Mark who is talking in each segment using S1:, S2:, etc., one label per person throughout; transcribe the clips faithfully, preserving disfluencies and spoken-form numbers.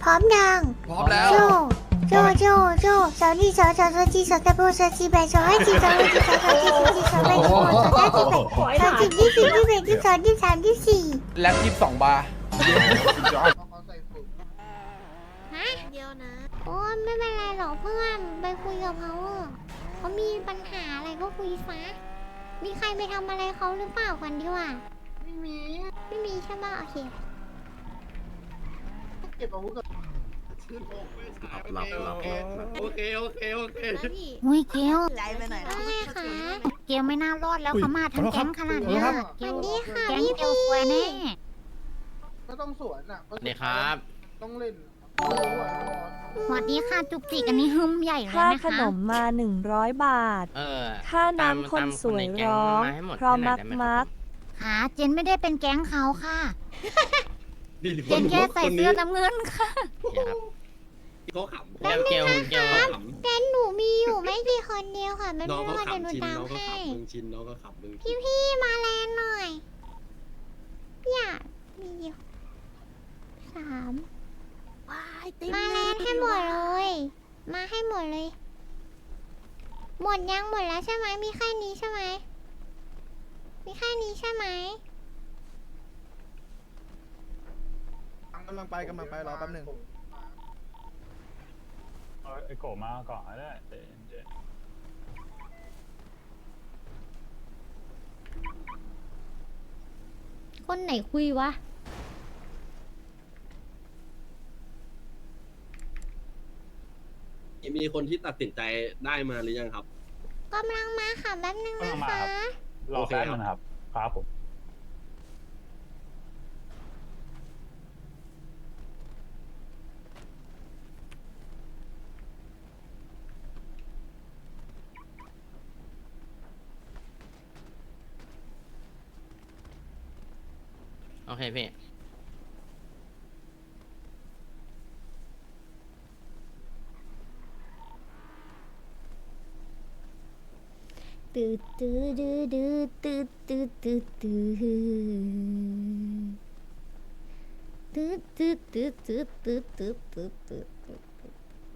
S1: ร้อมยัง
S2: พร้อมแล้ว
S1: โจโจโจโจสาวนี่สาวสาวสาวจีสาวตะโบสาวจีแบสาวให้จีสาวให้จีสาวสาวจีสาวจีสาวแบสาวสาวจีแบสาวจีที่สี่ที่แบที่สองที่สามที่สี่
S2: แล็บยี่สิบสองบาร์
S1: ฮะเดียวนะโอ้ไม่เป็นไรหรอกเพื่อนไปคุยกับเขาเถอะเขามีปัญหาอะไรก็คุยซะมีใครไปทำอะไรเขาหรือเปล่ากันดีกว่าไม่มีไม่มีใช่ไหมโอเค
S3: เก็บอาวุธก่อนหลับหลับหลับโอเคโอเคโอเค
S4: อุ้ยเกล
S1: ใจไปหน่อยนะ
S4: เกลไม่น่ารอดแล้วเขามาทั้งแก๊งขนาดเนี้ย
S1: สวัสดีค่ะ
S4: แก๊ง
S1: พี่
S4: เกล
S1: พี
S4: ซวยแน่
S3: ก็ต้องสวนอ่ะ
S5: สวัสดีครับ
S3: ต้องเล่น
S4: สวัสดีค่ะจุกจิกอันนี้หึมใหญ่เลย
S6: ค่า
S4: นะ
S6: ข
S4: คะ
S6: นมมาหนึ่งร้อยบาท
S5: เออ
S6: ค่า
S5: ตาม
S6: น้ำคน
S5: ตาม
S6: สวย
S5: ในแก๊
S6: ร้อง
S5: มาให้หมด
S6: เพราะ
S5: ให้หน่
S6: มั
S5: อย
S6: ก
S5: ได้ไห
S6: มัก
S4: ค่ะเจนไม่ได้เป็นแก๊งเขาค่ะ
S3: ดี
S4: เจนแค่ใส่เสื้อน้ำเงินค่ะ
S5: โอเคครับ
S3: เขาขำ
S5: เกลเกลเกล
S1: แต่หนูมีอยู่ไม่กี่คนเดียวค่ะไม่
S3: น้อง
S1: รู้
S3: เขา
S1: ว่าเดี๋ยวหนู
S3: ขำชิน
S1: ตาม
S3: น้องเขา
S1: ให้
S3: ขำมึงชินน้องเขาขำมึง
S1: พี่พี่มาแลนหน่อยพี่อยากมีอยู่สามมาแลนให้หมดเลย มาให้หมดเลย หมดยังหมดแล้วใช่ไหมมีแค่นี้ใช่ไหมมีแค่นี้ใช่ไหม
S2: กำลังไปกำลังไปรอแป๊บหนึ่ง
S7: เอาไอ้โกมาก่อนก็ได้เดี๋ยวเดี๋ยว
S1: คนไหนคุยวะ
S3: มีคนที่ตัดสินใจได้มาหรือยังครับ
S1: กำลังมาค่ะแป๊บนึง
S7: กำลั
S1: นะ
S7: งมา
S1: คะ
S7: ครับ รอแป๊บนึงนะครับ ครับผม
S5: โอเคพี่
S1: ตื้อตื้อดื้อดื้อตื้อตื้อตื้อตื้อตื้อตื้อตื้อตื้อตื้อตื้อตื้อตื้อตื้อ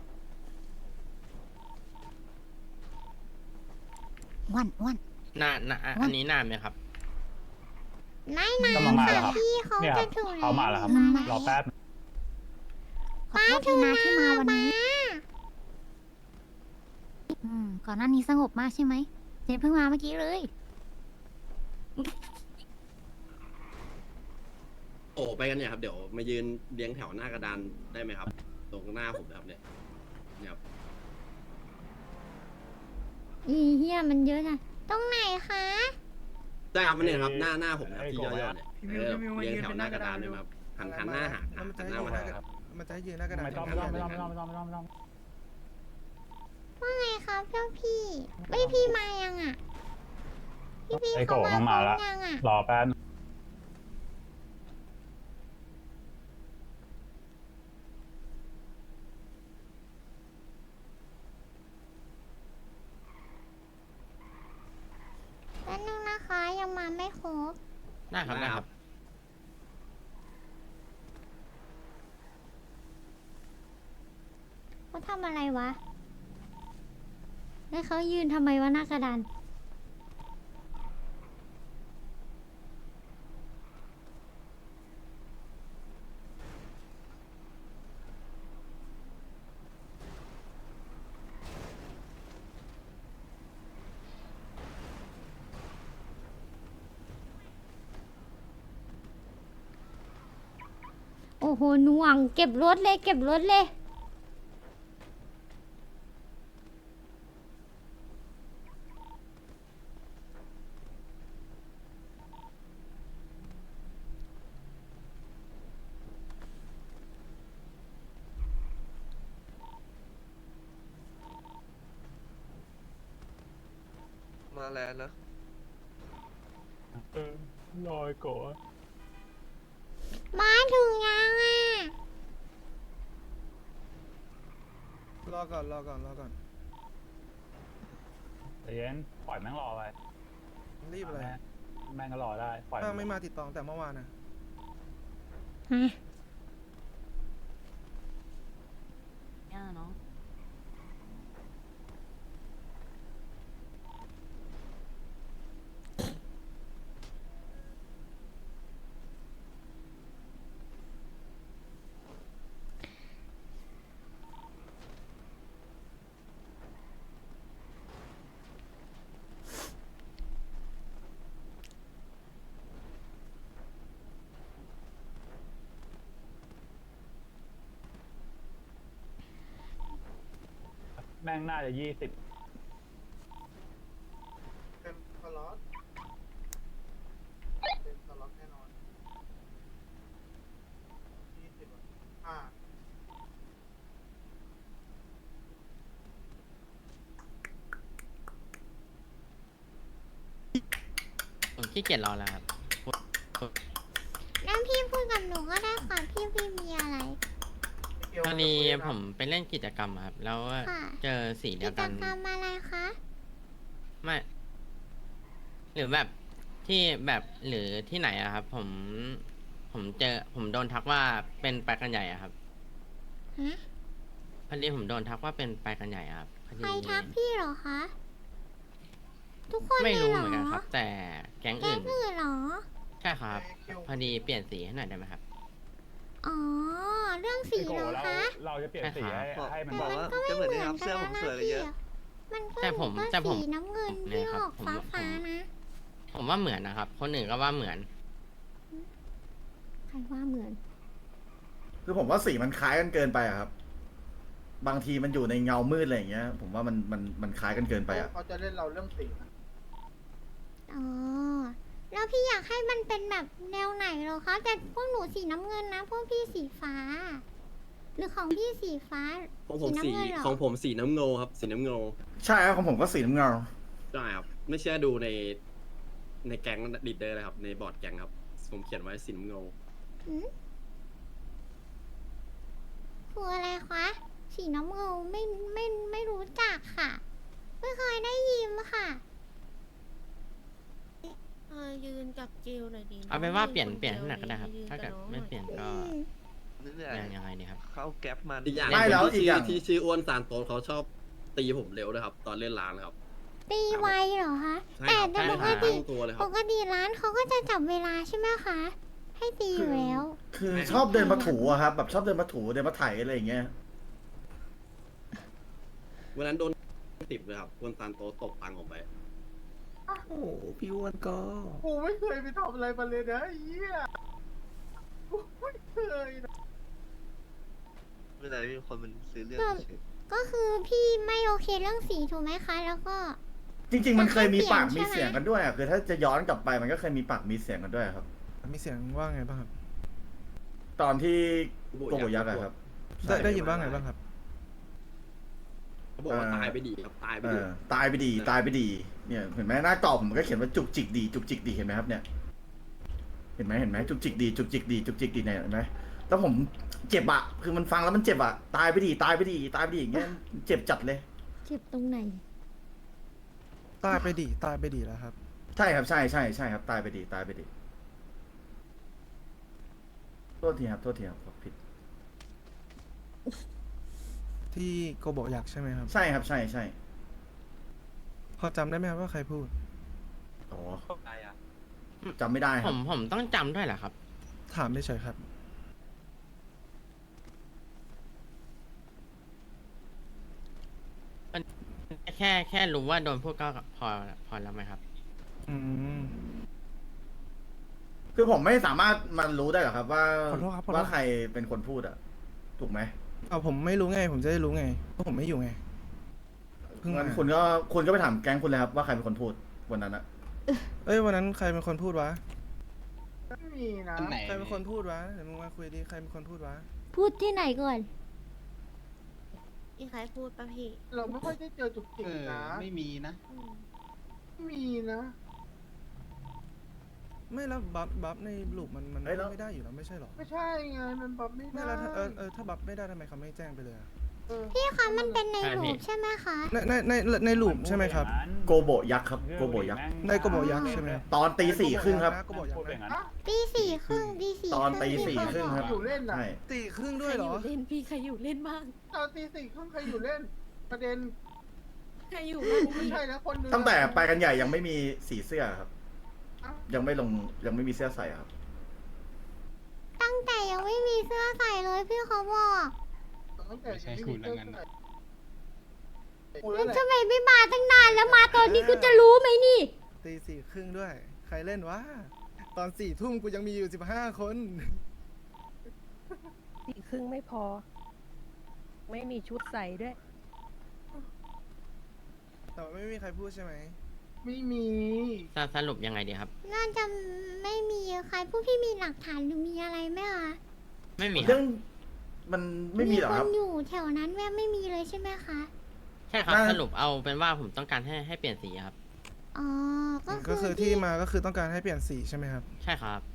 S4: วันวัน
S5: หน้าหน้าอันนี้หน้าไหมครับ
S1: ไม่นาน
S7: กำลังมา
S1: ค่ะ
S7: แล้วครับ
S1: พี่เขา
S7: เนี่ยค
S1: จะ
S7: รับ
S1: ถึง
S7: เขามาแล้วครับ รอแป๊บนึง
S4: ขอโทษทีนะที่มาวันนี้อืมก่อนหน้านี้สงบมากใช่ไหมเจนเพิ่งมาเมื่อกี้เลย
S3: โอ้ไปกันเนี่ยครับเดี๋ยวมายืนเลี้ยงแถวหน้ากระดานได้ไหมครับ ตรงหน้าผมนะครับเนี่ยเนี่ยครับ
S1: อีเฮียมันเยอะนะตรงไหนคะ
S3: ได้ครับมันเนี่ยครับหน้าหน้าผมนะครับที่ย่อๆเนี่ยเออเลี้ยงแถวหน้ากระดานเลยครับหันหันหน้าหาหันหน้ามาหาครับ
S2: มันจะให้ยืนหน้ากระดาษ
S7: ไม่ต้องไม่ต้องไม่ต้องไม่ต้องไม่ต้องไม่ต้องไม่ต้อง
S1: ว่าไงครับเจ้าพี่ไม่พี่มายังอ่ะพี่พี่
S7: ไอ้โก
S1: เขา
S7: มัน
S1: มา
S7: มาแล้ว
S1: ยังอ่ะ
S7: รอแป๊บนึง
S1: แป๊บนึงนะคะยังมาไม่ครบ
S5: ได้ครับได้ครับ
S1: เขาทำอะไรวะแล้วเขายืนทำไมวะหน้ากระดานโอ้โหหน่วงเก็บรถเลยเก็บรถเลย
S2: มาแล้วนะ
S7: เออรอไอ้โก
S1: มาถึงยังอ่ะ
S2: รอก่อนรอก่อนรอก่อน
S7: ใจเย็นปล่อยแม่งรอไป
S2: รีบอะไร
S7: แม่งแม่งก็รอได้ ปล่อย
S2: ถ้าไม่มาติดต่อตั้งแต่เมื่อวานนะ
S1: ฮะ
S7: แม่งน่าจะยี่สิบ
S2: เต็มสล็อตเต็มสล็อตแน่นอนยี่สิบอ่ะ
S5: ผมขี้เกียจรอแล้วครับ
S1: แล้วพี่พูดกับหนูก็ได้ค่ะพี่พี่มีอะไร
S5: พอดีผมไปเล่นกิจกรรมอะครับ แล้ว
S1: ค่ะ
S5: เจอสีเดี
S1: กิ
S5: ยว
S1: จ
S5: กัน
S1: กรรมอะไรคะ
S5: ไม่ หรือแบบที่แบบหรือที่ไหนอะครับ ผม ผมเจอ ผมโดนทักว่าเป็นไปกันใหญ่อะครับ
S1: ฮะ
S5: พอดีผมโดนทักว่าเป็นไปกันใหญ่อะครับพอดี
S1: ใครทักพี่เหรอคะ ทุกคน
S5: ไม่
S1: เลย
S5: รู้
S1: เหร
S5: เหมือนกัน
S1: อ
S5: ครับ แต่แก๊ง
S1: แก๊
S5: อื่
S1: ง
S5: น
S1: อื่นเหรอ
S5: ใช่ครับ พอดีเปลี่ยนสีให้หน่อยได้ไหมครับ
S1: อ๋อ เรื่องสี
S7: พี่โก
S1: เหรอ
S7: เรา
S1: คะ
S7: เราจะเปลี่ยนสีให้ให้มัน
S1: แต่
S7: บอก
S1: มัน
S7: ว่า
S1: ก็ไม่เหมือนกันแล้วนะพี่อะมันก็
S5: แต่ผม
S1: ก็
S5: แต่ผม
S1: สีน้ำเงิน
S5: เนี่
S1: ที่
S5: ยครั
S1: อบ อก
S5: ผม
S1: ฟ้า
S5: ผม
S1: ฟ้านะ
S5: ผมว่าเหมือนนะครับ คนอื่นก็ว่าเหมือน
S1: ใครว่าเหมือน
S2: คือผมว่าสีมันคล้ายกันเกินไปอะครับ บางทีมันอยู่ในเงามืดอะไรอย่างเงี้ย ผมว่ามันมันมันคล้ายกันเกินไปอะ
S8: เขาจะเล่นเราเรื่องสีนะ
S1: อ๋อ แล้วพี่อยากให้มันเป็นแบบแนวไหนเหรอคะ แต่พวกหนูสีน้ำเงินนะ พวกพี่สีฟ้า หรือของพี่สีฟ้า
S3: ของผมสี
S1: น้ำเงินเหรอ
S3: ของผมสีน้ำเงินครับ สีน้ำเงิน
S2: ใช่ครับของผมก็สีน้ำเงา
S3: ใช่ครับ ไม่เชื่อดูในในแก๊งลีดเดอร์เลยครับ ในบอร์ดแก๊งครับ ผมเขียนไว้สีน้ำเงิน
S1: หืมคืออะไรคะ สีน้ำเงินไม่ไม่ไม่รู้จักค่ะ ไม่เคยได้ยินค่ะ
S9: เออยืนกับจิวหน่อยดี
S5: เอาเป็นว่าเปลี่ยนเปลี่ยนให้หน่อยก็ได้ครับ ถ้าเกิดไม่เปลี่ยนก็
S1: อืม
S5: ยังยังไงดีครับ
S8: เข้าแก๊ปมัน
S3: อีกอย่าง
S2: ไม่แล้ว
S3: ที่
S2: อีกอย่าง
S3: ที่ชื่ออ้วนซานโตสเขาชอบตีผมเร็วด้วยครับ ตอนเล่นร้านครับ
S1: ตีไวเหรอคะ
S3: ใช่
S1: แต่
S3: ครับ
S1: แต่
S3: ใช่
S1: ป
S3: ค
S1: ก
S3: รับ
S1: ติ
S3: ตั้งตัวเลยค
S1: ป
S3: รับ
S1: กติร้านเขาก็จะจับเวลาใช่ไหมคะ ให้ตีอยู่แล้ว
S2: คือชอบเดินมาถูอะครับ แบบชอบเดินมาถูเดินมาไถอะไรอย่างเงี้ย
S3: วันนั้นโดนติดเลยครับอ้วนซานโตสตบตังค์ออกไป
S8: โอ้โหพี่อ้วนก็
S2: กูไม่เคยไปทำอะไรมาเลยนะไอ้เหี้ยกูไม่เคยนะ
S8: เวลามีคนมันซื้อเรื่อง
S1: ก็
S8: เฉย
S1: ก็คือพี่ไม่โอเคเรื่องสีถูกไหมคะ แล้วก็
S2: จริง ๆ มันเคยมีปาก
S1: มันก็
S2: มี
S1: เปลี่ยน
S2: เสียงกันด้วยอะคือถ้าจะย้อนกลับไปมันก็เคยมีปากมีเสียงกันด้วยครับ
S10: มีเสียงว่าไงบ้างครับ
S2: ตอนที่
S3: โก
S2: โก
S3: โบ
S2: โบ
S3: ยั
S2: ยั
S3: ก
S2: ก
S3: ษ์
S2: ษ์อะครับ
S10: ได้ได้ยินว่าไงบ้างครับ
S3: เขาบอกว่าตายไปดีครับ ตายไป
S2: เอ
S3: ดี
S2: อตายไปดีตายไปดี เนี่ยเห็นไหมหน้าจอผมมันก็เขียนว่าจุกจิกดีจุกจิกดีเห็นไหมครับเนี่ย เห็นไหมเห็นไหมจุกจิกดีจุกจิกดีจุกจิกดีเนี่ยเห็นไหมแล้วผมเจ็บอะคือมันฟังแล้วมันเจ็บอะตายไปดีตายไปดีตายไปดีอย่างเงี้ยเจ็บจัดเลย
S1: เจ็บตรงไหน
S10: ตายไปดีตายไปดีแล้วครับ
S2: ใช่ครับใช่ใช่ใช่ครับตายไปดีตายไปดีโทษทีครับโทษทีครับขอผิด
S10: ที่โกโบอยากใช่ไหมครับ
S2: ใช่ครับใช่ใช่
S10: พอจำได้ไหมครับว่าใครพูด
S2: อ๋อ
S8: ๆได้อะ
S2: จำไม่ได้ค
S5: ผ
S2: รับ
S5: มผมต้องจำด้วยเหรอครับ
S10: ถามเฉยๆครับ
S5: แค่แค่รู้ว่าโดนพูดก็พอพอแล้วไหมครับ
S10: อืม
S2: คือผมไม่สามารถมันรู้ได้หรอกครับ ว่า
S10: ขอโทษครับขอโทษ
S2: ว่าใครเป็นคนพูดอะถูกไหม
S10: เอาผมไม่รู้ไง ผมจะได้รู้ไงเพราะผมไม่อยู่ไง เพิ่ง
S2: งั้น
S10: มา
S2: คุณก็คุณก็ไปถามแก๊งคุณเลยครับว่าใครเป็นคนพูดวันนั้นอะ
S10: เอ้ยวันนั้นใครเป็นคนพูดวะ
S8: ไม่มีนะ
S10: ใครเป็นคนพูดวะ เดี๋ยวมึงมาคุยดิ ใครเป็นคนพูดวะ
S1: พูดที่ไหนก่อน
S9: อีใครพูดปะพี่
S8: เราไม่ค่อยได้เจอจุกจิกนะ
S11: ไม่มีนะ
S9: อืม
S8: ไม่มีนะ
S10: ไม่แล้วบัฟบัฟในลูปมันมันไม่ได้อยู่แล้วไม่ใช่หรอ
S8: ไม่ใช่ไงมันแบบไม่
S10: ไม่
S8: ได้
S10: แล้วถ้าเออเออถ้าบัฟไม่ได้ทำไมเขาไม่แจ้งไปเลยอะ
S8: เออ
S1: พี่คะมันเป็นใน
S5: ใช่
S1: รู
S5: พี่
S1: ปใช่ไหมคะ
S10: ในในในในลูปใช่ไหมครับ
S2: โกโบยักษ์ครับโกโบยักษ์
S10: ในโกโบยักษ์ใช่ไหม
S2: ตอนตีสี่ครึ่งครับ
S10: โกโบยักษ์นะ
S1: ตีสี่ครึ่งตีสี่
S2: ตอนตี
S1: ครึ่ง
S2: สี่ครึ่งครับ
S8: อยู่เล่นน่ะ
S2: ใช่
S10: ตีครึ่งด้วยเหรอ
S9: ใครอยู่เล่นพี่ใครอยู่เล่นบ้าง
S8: ตอนตีสี่ครึ่งใครอยู่เล่น ประเด็น
S9: ใครอยู่บ้าง
S8: ไม่
S9: พี่
S8: ใช่นะคนหนึง
S2: ตั้งแต่ไปกันใหญ่ยังไม่มีสีเสื้อครับ ยังไม่ลงยังไม่มีเสื้อใส่ครับ
S1: ตั้งแต่ยังไม่มีเสื้อใส่เลยพี่เขาบอก
S8: ตั้งแต่
S11: ไม่ใช่คุณแล้วงั้นน่ะ
S8: คุณ
S1: แล้
S8: แล้ว วแหละ
S1: ทำไมไม่มาตั้งนานแล้วมาตอนนี้กูจะรู้ไหมนี่
S10: ตีสี่ครึ่งด้วย ใครเล่นวะ ตอนสี่ทุ่มกูยังมีอยู่สิบห้าคน
S6: สี่ครึ่งไม่พอ ไม่มีชุดใส่ด้วย
S10: แต่ว่าไม่มีใครพูดใช่ไหม
S7: ไม่มี
S5: สสรุปยังไงดีครับ
S1: น่าจะไม่มีใครผู้พี่มีหลักฐานหรือมีอะไรไหมคะ
S5: ไม่มีค
S2: เรื่
S5: รั
S2: อบ งมันไม่มีหรอก
S1: ค
S2: ครับ
S1: นอยู่แถวนั้นแม่ไม่มีเลยใช่ไหมคะ
S5: ใช่ครับ
S2: น่า
S5: สรุปเอาเป็นว่าผมต้องการให้ให้เปลี่ยนสีครับ
S1: อ๋อ ก็
S10: ก็คือที่มาก็คือต้องการให้เปลี่ยนสีใช่ไหมครับ
S5: ใช่ครับ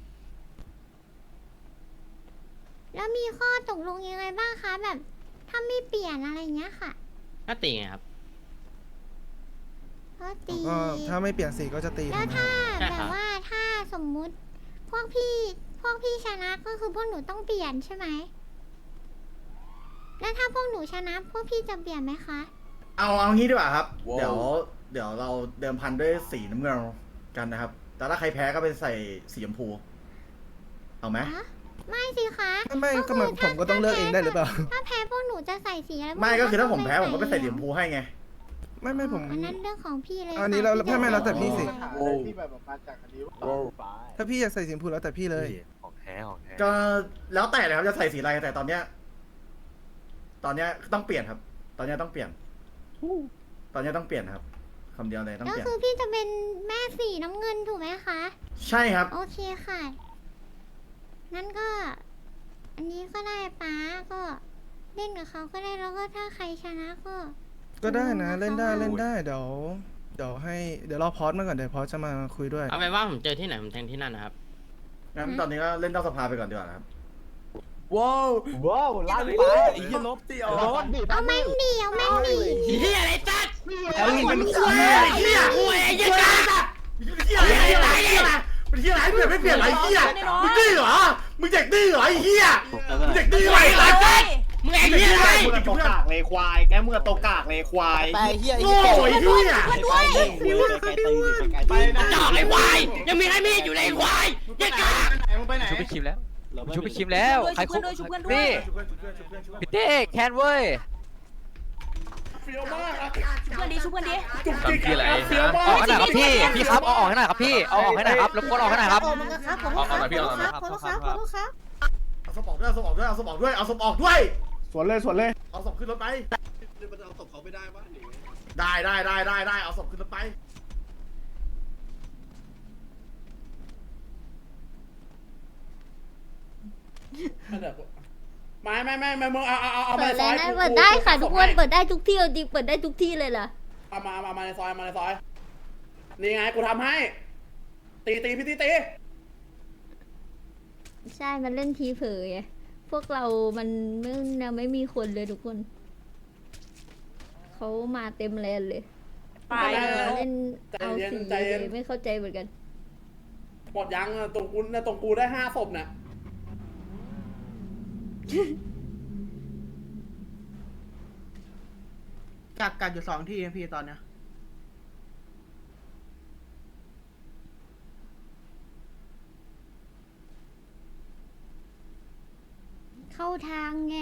S1: แล้วมีข้อตกลงยังไงบ้างคะแบบ ถ้าไม่เปลี่ยนอะไรเงี้ยค่ะ
S5: ก็ตีไงครับ
S1: ก็ตี
S10: ก็ถ้าไม่เปลี่ยนสีก็จะตี
S1: แล้ว
S10: ถูกไหม
S1: ถ้า
S5: ใช่
S1: แบ
S5: ครับ บ
S1: ว่าถ้าสมมุติ พวกพี่พวกพี่ชนะก็คือพวกหนูต้องเปลี่ยนใช่ไหมแล้วถ้าพวกหนูชนะพวกพี่จะเปลี่ยนไหมคะ
S2: เอาเอางี้ดีกว่าครับ เดี๋ยวเดี๋ยวเราเดิมพันด้วยสีน้ำเงินกันนะครับ แต่ถ้าใครแพ้ก็ไปใส่สีชมพู เอาไหม
S1: ฮะไม่สิคะ
S10: ไม่ไม่ก็มันผมก็ต้องเลือกเองได้หรือเปล่า
S1: ถ้าแพ้พวกหนูจะใส่สีอะไรพว
S2: ไม่ก็คือถ้าผมแพ้
S1: ต้
S2: ผ
S1: ง
S2: มก็ไปใส่สีชมพูให้ไง
S10: ไม่ไม่ผม
S1: อันนั้นเรื่องของพี่เลย
S10: อันนี้
S1: ค่ะ
S10: เรา
S1: พี่
S10: ไม่ไม่แล้วแต่พี่สิ
S7: โอ้ที่แบบมาจากอันนี้ว่า
S10: ถ้าพี่อยากใส่สีชมพูแล้วแต่พี่เลย
S8: ของแท้ของแท้
S2: ก็แล้วแต่เลยครับจะใส่สีอะไรแต่ตอนเนี้ย ตอนเนี้ยต้องเปลี่ยนครับ ตอนเนี้ยต้องเปลี่ยน ตอนเนี้ยต้องเปลี่ยนครับคำเดียวเลยต้อง
S1: ก็
S2: เปลี่ยน
S1: คือพี่จะเป็นแม่สีน้ำเงินถูกไหมคะ
S2: ใช่ครับ
S1: โอเคค่ะ งั้นก็ อันนี้ก็ได้ป้าก็เล่นกับเขาก็ได้แล้วก็ถ้าใครชนะก็
S10: ก็ได้นะ
S1: ตกลงกับ
S10: เล่นได้
S1: ขา
S10: เล่นได้เดี๋ยวเดี๋ยวให้เดี๋ยวรอพอสมาก่อนเดี๋ยวพอสจะมาคุยด้วย
S5: เอาเป็นว่าผมเจอที่ไหนผมแทงที่นั่นนะครับ
S2: งั้นตอนนี้ก็เล่นนอกสภาไปก่อนดีกว่านะครับ
S7: ว้าวว้าวล้านไปไอ้ยี่ลบตีเอารถ
S1: เอาแม่งดีเอาแม่งดี
S5: เฮียอะไรจัด
S2: เป็นเหี้ยเหี้ย
S5: โอ้ยเฮียจัด
S2: เหี้ยอะไรอะไรอะไรเป็นเหี้ยอะไรเปลี่ยนไม่เปลี่ยนไรเหี้ยมึงดื้อเหรอมึงเด็กดื้อเหรอไอ้เหี้ยมึงเด็กดื้อไรไรจัด
S5: มึงไอ้เฮียอะไร
S7: มึงตกกากเลยควายแกมึงตกกากเลยควาย
S10: ไปเฮีย
S2: โง่ไอ้เหี้ย
S7: ไปนะ
S5: จอกไอ้ควายยังมีใครมีอยู่ในควายเฮียกา
S7: มึงไปไหน
S8: ชุบไปคิมแล้วชุบไปคิมแล้วใครคุกนี่พี่เต้แคนเว้ย
S7: เฟี้ยวมาก
S9: ชุบกันดีชุบกันดี
S7: จุกจิกอะไร
S8: ออกให้หน่อยครับพี่พี่ครับเอาออกให้หน่อยครับพี่เอาออกให้หน่อยครับรบกวนออกให้หน่อยครับ
S9: มึงครับขอโทษครับขอโทษครับขอโทษครับขอโทษครับ
S2: เอาศพออกด้วยเอาศพออกด้วยเอาศพออกด้วยเอาศพออกด้วย
S7: สวนเลยสวนเลย
S2: เอาศพขึ้นรถไป
S3: มันเอาศพเขาไม่ได้ปะหรือไง
S2: ได้ได้ได้ได้ได้เอาศพขึ้นรถไป
S7: ไม่ไม่ไม่ไม่มึงเอาเอาเอาเอา
S1: เปิ
S7: มา
S1: ด
S7: ในซ
S1: เลย
S7: อย
S1: นะเปิดได้ค่ะทุกคนเปิดได้ทุกที่เอาจริงเปิดได้ทุกที่เลยล่ะ
S7: เอามามามาในซอยมาในซอยนี่ไงกูทำให้ ตีตีพี่ตีตี
S1: ใช่ มันเล่นทีเผยไงพวกเรา มันไม่ยังไม่มีคนเลยทุกคน เขามาเต็มแลนเลย
S9: ไป
S1: เราเล่นเอาสีเลยไม่เข้าใจเหมือนกัน
S7: หมดยังอะตรงกูนะตรงกูได้ห้าศพน่ะ
S10: กักกักอยู่สองที่พี่ตอนเนี้ย
S1: เข้าทางไง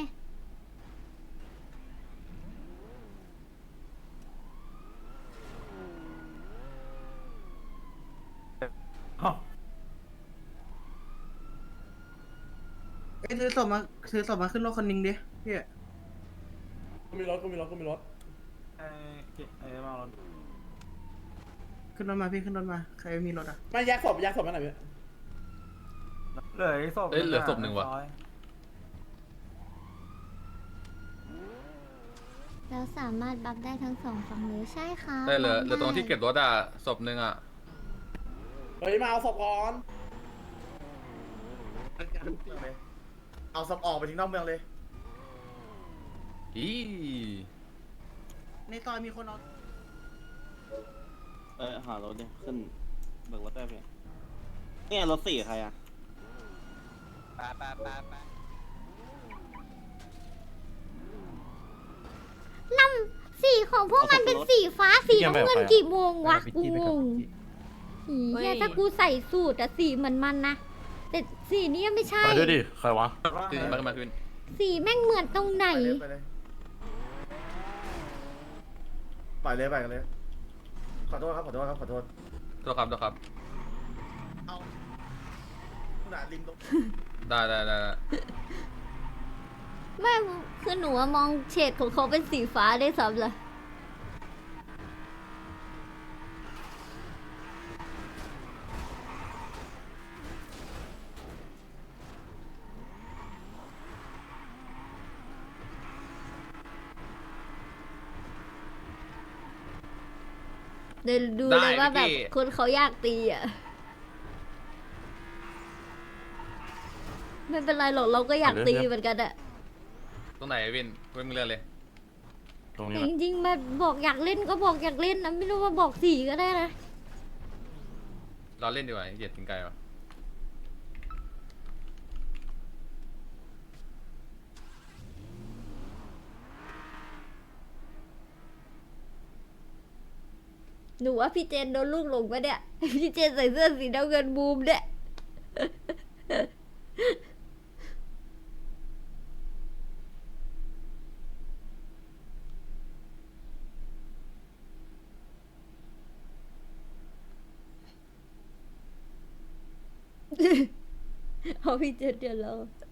S10: เอ้ยซื้อศพมาซื้อศพมาขึ้นรถคนนึงดิพี่
S7: กูมีรถกูมีรถกูมีรถ
S10: ขึ้นรถมาพี่ขึ้นรถมาใครมีรถอ่ะ
S7: ไม่แยกศพแยกศพมาหน่อยพี่
S10: เหลือศพ
S8: เอ้ยเหลือศพหนึ่งว่ะ
S1: เราสามารถบัฟได้ทั้งสองฝั่งเลยใช่ค่ะ
S8: ได้เหลือ
S1: บัฟ
S8: เหลือตรงที่เก็บรถอ่ะศพหนึ่งอ่ะ
S7: เฮ้ยมาเอาศพก่อน
S2: เอาศพออกไปทิ้งนอกเมืองเลย
S8: อี
S10: ในซอยมีคนเอา
S3: เออหารถเนี่ยขึ้นเบิกรถได้ไหมเนี่ยรถสี่ใครอ่ะ
S8: ปาปาปาปา
S1: ลำสีของพวกมันเป็นสีฟ้าสีน้ำเงินกี่โมงวะกูงงอีเหี้ยถ้ากูใส่สูตรอะสีเหมือนมันนะแต่สีนี้ไม่ใช่
S8: ไปด้วยดิใครวะขึ้นมาขึ้นมาขึ้น
S1: สีแม่งเหมือนตรงไหน
S2: ไปเลยไปเลยไปเลยไปกันเลย ขอโทษครับขอโทษครับขอโทษ
S8: ตัวครับตัวครับ
S2: เอาหนาริมตรง
S8: ได้ได้ได้ได้
S1: ไม่คือหนูอะมองเฉดของเขาเป็นสีฟ้าได้ซ้ำเลยเดี๋ยวดูเลยว่าแบบคนเขาอยากตีอ่ะไม่เป็นไรหรอกเราก็อยากตีเหมือนกันอะ
S8: ตรงไหนวินเว้ยมึงเลือกเลย
S5: ตรง
S1: แต่
S5: นี้
S1: จริงๆแบบบอกอยากเล่นก็บอกอยากเล่นนะไม่รู้ว่าบอกสี่ก็ได้นะ
S8: เราเล่นดีกว่าเหยียดถึงไกลวะ
S1: หนูว่าพี่เจนโดนลูกหลงปะเนี่ย พี่เจนใส่เสื้อสีน้ำเงินบูมเนี่ย เอาพี่เจนเดี๋ยวเรา